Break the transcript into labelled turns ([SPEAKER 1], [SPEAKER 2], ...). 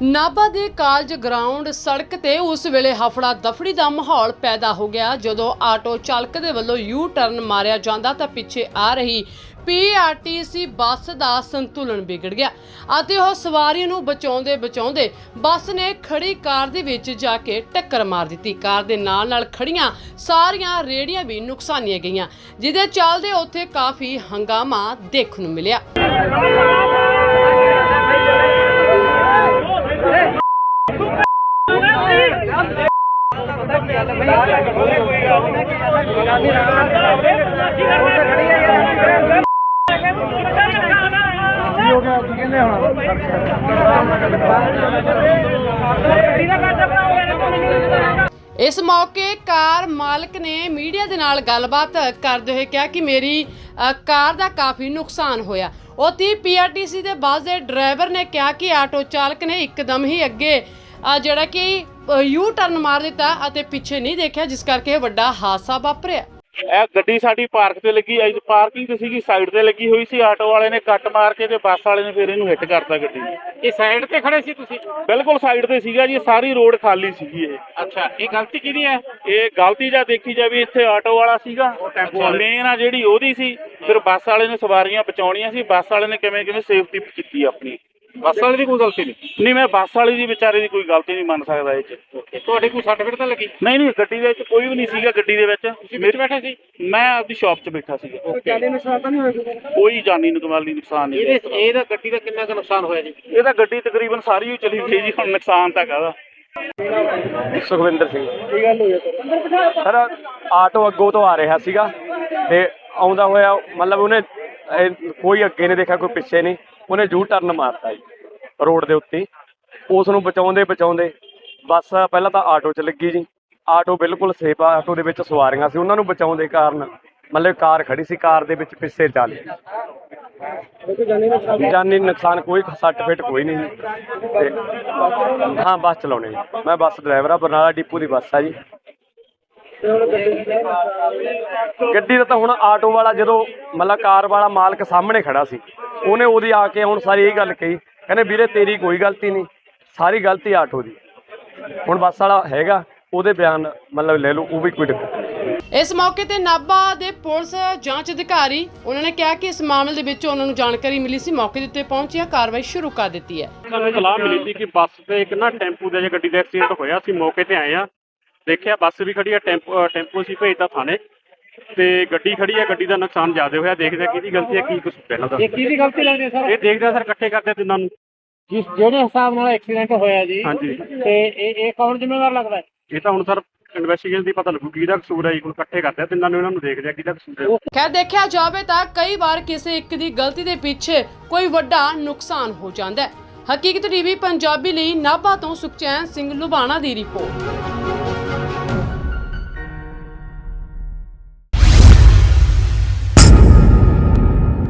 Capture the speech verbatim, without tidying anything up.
[SPEAKER 1] ਨਾਭਾ ਦੇ college ground ਸੜਕ ਤੇ ਉਸ ਵੇਲੇ ਹਫੜਾ ਦਫੜੀ ਦਾ ਮਾਹੌਲ ਪੈਦਾ ਹੋ ਗਿਆ ਜਦੋਂ ਆਟੋ ਚਾਲਕ ਦੇ ਵੱਲੋਂ ਯੂ ਟਰਨ ਮਾਰਿਆ ਜਾਂਦਾ ਤਾਂ ਪਿੱਛੇ ਆ ਰਹੀ ਪੀ ਆਰ ਟੀ ਸੀ ਬੱਸ ਦਾ ਸੰਤੁਲਨ ਵਿਗੜ ਗਿਆ ਅਤੇ ਉਹ ਸਵਾਰੀ ਨੂੰ ਬਚਾਉਂਦੇ ਬਚਾਉਂਦੇ ਬੱਸ ਨੇ ਖੜੀ ਕਾਰ ਦੇ ਵਿੱਚ ਜਾ ਕੇ ਟੱਕਰ ਮਾਰ ਦਿੱਤੀ। ਕਾਰ ਦੇ ਨਾਲ ਨਾਲ ਖੜੀਆਂ ਸਾਰੀਆਂ ਰੇਹੜੀਆਂ ਵੀ ਨੁਕਸਾਨੀਆਂ ਗਈਆਂ, ਜਿਹਦੇ ਚੱਲਦੇ ਉੱਥੇ ਕਾਫੀ ਹੰਗਾਮਾ ਦੇਖਣ ਨੂੰ ਮਿਲਿਆ। इस मौके कार मालिक ने मीडिया दे नाल गलबात करते हुए कहा कि मेरी कार दा काफ़ी नुकसान होया। उत्थे पी आर टी सी दे बस दे ड्राइवर ने कहा कि आटो चालक ने एकदम ही अगे जिहड़ा कि यू टर्न मार दिता अते पिछे नहीं देखा, जिस करके वड्डा हादसा वापरिया।
[SPEAKER 2] ਇਹ ਗੱਡੀ ਸਾਡੀ ਪਾਰਕ ਤੇ ਲੱਗੀ ਆਈ ਪਾਰਕਿੰਗ ਤੇ ਸੀਗੀ, ਸਾਈਡ ਤੇ ਲੱਗੀ ਹੋਈ ਸੀ। ਆਟੋ ਵਾਲੇ ਨੇ ਕੱਟ ਮਾਰ ਕੇ ਤੇ ਬੱਸ ਵਾਲੇ ਨੇ ਫਿਰ ਇਹਨੂੰ ਹਿੱਟ ਕਰਤਾ ਗੱਡੀ।
[SPEAKER 3] ਇਹ ਸਾਈਡ ਤੇ ਖੜੇ ਸੀ ਤੁਸੀਂ?
[SPEAKER 2] ਬਿਲਕੁਲ ਸਾਈਡ ਤੇ ਸੀਗਾ ਜੀ, ਸਾਰੀ ਰੋਡ ਖਾਲੀ ਸੀਗੀ ਇਹ।
[SPEAKER 3] ਅੱਛਾ, ਇਹ ਗਲਤੀ ਕਿਹਦੀ ਹੈ?
[SPEAKER 2] ਇਹ ਗਲਤੀ ਜਾਂ ਦੇਖੀ ਜਾਵੇ ਇੱਥੇ ਆਟੋ ਵਾਲਾ ਸੀਗਾ ਮੇਨ ਆ ਜਿਹੜੀ ਉਹਦੀ ਸੀ। ਫਿਰ ਬੱਸ ਵਾਲੇ ਨੇ ਸਵਾਰੀਆਂ ਬਚਾਉਣੀਆਂ ਸੀ, ਬੱਸ ਵਾਲੇ ਨੇ ਕਿਵੇਂ ਕਿਵੇਂ ਸੇਫਟੀ ਕੀਤੀ ਆਪਣੀ।
[SPEAKER 3] ਬੱਸ ਵਾਲੇ ਦੀ ਕੋਈ ਗਲਤੀ ਨਹੀਂ?
[SPEAKER 2] ਨਹੀਂ, ਮੈਂ ਬੱਸ ਵਾਲੇ ਦੀ ਵਿਚਾਰੇ ਦੀ ਕੋਈ ਗਲਤੀ ਨਹੀਂ ਮੰਨ ਸਕਦਾ ਇਹ 'ਚ।
[SPEAKER 3] ਤੁਹਾਡੇ ਕੋਈ ਸੱਟ ਫੇਟ ਤਾਂ ਲੱਗੀ?
[SPEAKER 2] ਨਹੀਂ ਨਹੀਂ, ਗੱਡੀ ਦੇ ਵਿੱਚ ਕੋਈ ਵੀ ਨਹੀਂ ਸੀਗਾ। ਗੱਡੀ ਦੇ ਵਿੱਚ
[SPEAKER 3] ਮੇਰੇ ਬੈਠੇ ਸੀ,
[SPEAKER 2] ਮੈਂ ਆਪਦੀ ਸ਼ਾਪ 'ਚ ਬੈਠਾ ਸੀਗਾ।
[SPEAKER 3] ਜਾਨੀ ਨੁਕਸਾਨ ਤਾਂ ਨਹੀਂ ਹੋਇਆ?
[SPEAKER 2] ਕੋਈ ਜਾਨੀ ਨੁਕਸਾਨੀ ਨੁਕਸਾਨ ਨਹੀਂ।
[SPEAKER 3] ਇਹਦੇ ਇਹਦਾ ਗੱਡੀ ਦਾ ਕਿੰਨਾ ਕੁ ਨੁਕਸਾਨ ਹੋਇਆ ਜੀ?
[SPEAKER 2] ਇਹ ਤਾਂ ਗੱਡੀ ਤਕਰੀਬਨ ਸਾਰੀ ਹੀ ਚਲੀ ਗਈ ਜੀ, ਹੁਣ ਨੁਕਸਾਨ ਤਾਂ ਕਾਹਦਾ।
[SPEAKER 4] ਸੁਖਵਿੰਦਰ ਸਿੰਘ। ਕੀ ਗੱਲ ਹੋਈ ਸਰ? ਆਟੋ ਅੱਗੋਂ ਤੋਂ ਆ ਰਿਹਾ ਸੀਗਾ ਤੇ ਆਉਂਦਾ ਹੋਇਆ ਮਤਲਬ ਉਹਨੇ ਕੋਈ ਅੱਗੇ ਨਹੀਂ ਦੇਖਿਆ, ਕੋਈ ਪਿੱਛੇ ਨਹੀਂ, ਉਹਨੇ ਯੂ ਟਰਨ ਮਾਰਤਾ ਜੀ ਰੋਡ ਦੇ ਉੱਤੇ। ਉਸ ਨੂੰ ਬਚਾਉਂਦੇ ਬਚਾਉਂਦੇ ਬੱਸ ਪਹਿਲਾਂ ਤਾਂ ਆਟੋ 'ਚ ਲੱਗੀ ਜੀ। ਆਟੋ ਬਿਲਕੁਲ ਸੇਫ ਆ, ਆਟੋ ਦੇ ਵਿੱਚ ਸਵਾਰੀਆਂ ਸੀ, ਉਹਨਾਂ ਨੂੰ ਬਚਾਉਂਦੇ ਕਾਰਨ ਮਤਲਬ ਕਾਰ ਖੜੀ ਸੀ, ਕਾਰ ਦੇ ਵਿੱਚ ਪਿੱਛੇ ਚੱਲ ਜਾਨੀ ਨੁਕਸਾਨ ਕੋਈ ਸੱਟ ਫੇਟ ਕੋਈ ਨਹੀਂ ਜੀ। ਤੇ ਹਾਂ, ਬੱਸ ਚਲਾਉਣੀ ਜੀ, ਮੈਂ ਬੱਸ ਡਰਾਈਵਰ ਆ, ਬਰਨਾਲਾ ਡਿਪੂ ਦੀ ਬੱਸ ਆ ਜੀ। ਗੱਡੀ ਦਾ ਤਾਂ ਹੁਣ ਆਟੋ ਵਾਲਾ ਜਦੋਂ ਮਤਲਬ ਕਾਰ ਵਾਲਾ ਮਾਲਕ ਸਾਹਮਣੇ ਖੜਾ ਸੀ, ਉਹਨੇ ਉਹਦੀ ਆ ਕੇ ਹੁਣ ਸਾਰੀ ਇਹ ਗੱਲ ਕਹੀ, ਕਹਿੰਦੇ ਵੀਰੇ ਤੇਰੀ ਕੋਈ ਗਲਤੀ ਨਹੀਂ, ਸਾਰੀ ਗਲਤੀ ਆਟੋ ਦੀ। ਹੁਣ ਬੱਸ ਵਾਲਾ ਹੈਗਾ, ਉਹਦੇ ਬਿਆਨ ਮਤਲਬ ਲੈ ਲਓ, ਉਹ ਵੀ ਕੋਈ ਦਿੱਕਤ ਨਹੀਂ।
[SPEAKER 1] ਇਸ ਮੌਕੇ ਤੇ ਨਾਭਾ ਦੇ ਪੁਲਿਸ ਜਾਂਚ ਅਧਿਕਾਰੀ ਉਹਨਾਂ ਨੇ ਕਿਹਾ ਕਿ ਇਸ ਮਾਮਲੇ ਦੇ ਵਿੱਚ ਉਹਨਾਂ ਨੂੰ ਜਾਣਕਾਰੀ ਮਿਲੀ ਸੀ, ਮੌਕੇ ਦੇ ਉੱਤੇ ਪਹੁੰਚਿਆ ਕਾਰਵਾਈ ਸ਼ੁਰੂ ਕਰ ਦਿੱਤੀ ਹੈ।
[SPEAKER 3] ਸਾਨੂੰ ਸਲਾਹ ਮਿਲੀ ਸੀ ਕਿ ਬੱਸ ਤੇ ਇੱਕ ਨਾ ਟੈਂਪੂ ਦਾ ਜਾਂ ਗੱਡੀ ਦਾ ਐਕਸੀਡੈਂਟ ਹੋਇਆ ਸੀ। ਮੌਕੇ ਤੇ ਆਏ ਆ, ਦੇਖਿਆ ਬੱਸ ਵੀ ਖੜੀ ਆ, ਟੈਂਪੂ ਟੈਂਪੂ ਸੀ ਭੇਜਦਾ ਥਾਣੇ ਤੇ ਗੱਡੀ ਖੜੀ ਆ। ਗੱਡੀ ਦਾ ਨੁਕਸਾਨ ਜ਼ਿਆਦਾ ਹੋਇਆ, ਦੇਖਦੇ ਕਿਹਦੀ ਗਲਤੀ ਹੈ, ਕੀ ਕੁਛ ਪਹਿਲਾਂ ਦਾ।
[SPEAKER 5] ਇਹ ਕਿਹਦੀ ਗਲਤੀ ਲੱਗਦੀ ਹੈ ਸਰ?
[SPEAKER 3] ਇਹ ਦੇਖਦੇ ਸਰ ਇਕੱਠੇ ਕਰਦੇ ਤਿੰਨਾਂ ਨੂੰ।
[SPEAKER 5] ਜਿਸ ਜਿਹੜੇ ਹਿਸਾਬ ਨਾਲ ਐਕਸੀਡੈਂਟ ਹੋਇਆ ਜੀ,
[SPEAKER 3] ਹਾਂਜੀ,
[SPEAKER 5] ਤੇ ਇਹ ਇਹ ਕੌਣ ਜ਼ਿੰਮੇਵਾਰ ਲੱਗਦਾ ਹੈ?
[SPEAKER 3] ਇਹ ਤਾਂ ਹੁਣ ਸਰ ਇਨਵੈਸਟੀਗੇਸ਼ਨ ਦੀ ਪਤਾ ਲੱਗੂ ਕਿਹਦਾ ਕਸੂਰ ਹੈ ਜੀ। ਹੁਣ ਇਕੱਠੇ ਕਰਦੇ ਆ ਤਿੰਨਾਂ ਨੂੰ, ਇਹਨਾਂ ਨੂੰ ਦੇਖਦੇ ਆ ਕਿਹਦਾ ਕਸੂਰ ਹੈ।
[SPEAKER 1] ਖੈਰ ਦੇਖਿਆ ਜਾਵੇ ਤਾਂ ਕਈ ਵਾਰ ਕਿਸੇ ਇੱਕ ਦੀ ਗਲਤੀ ਦੇ ਪਿੱਛੇ ਕੋਈ ਵੱਡਾ ਨੁਕਸਾਨ ਹੋ ਜਾਂਦਾ ਹੈ। ਹਕੀਕਤ ਟੀਵੀ ਪੰਜਾਬੀ ਲਈ ਨਾਭਾ ਤੋਂ ਸੁਖਚੈਨ ਸਿੰਘ ਲੁਬਾਣਾ ਦੀ ਰਿਪੋਰਟ।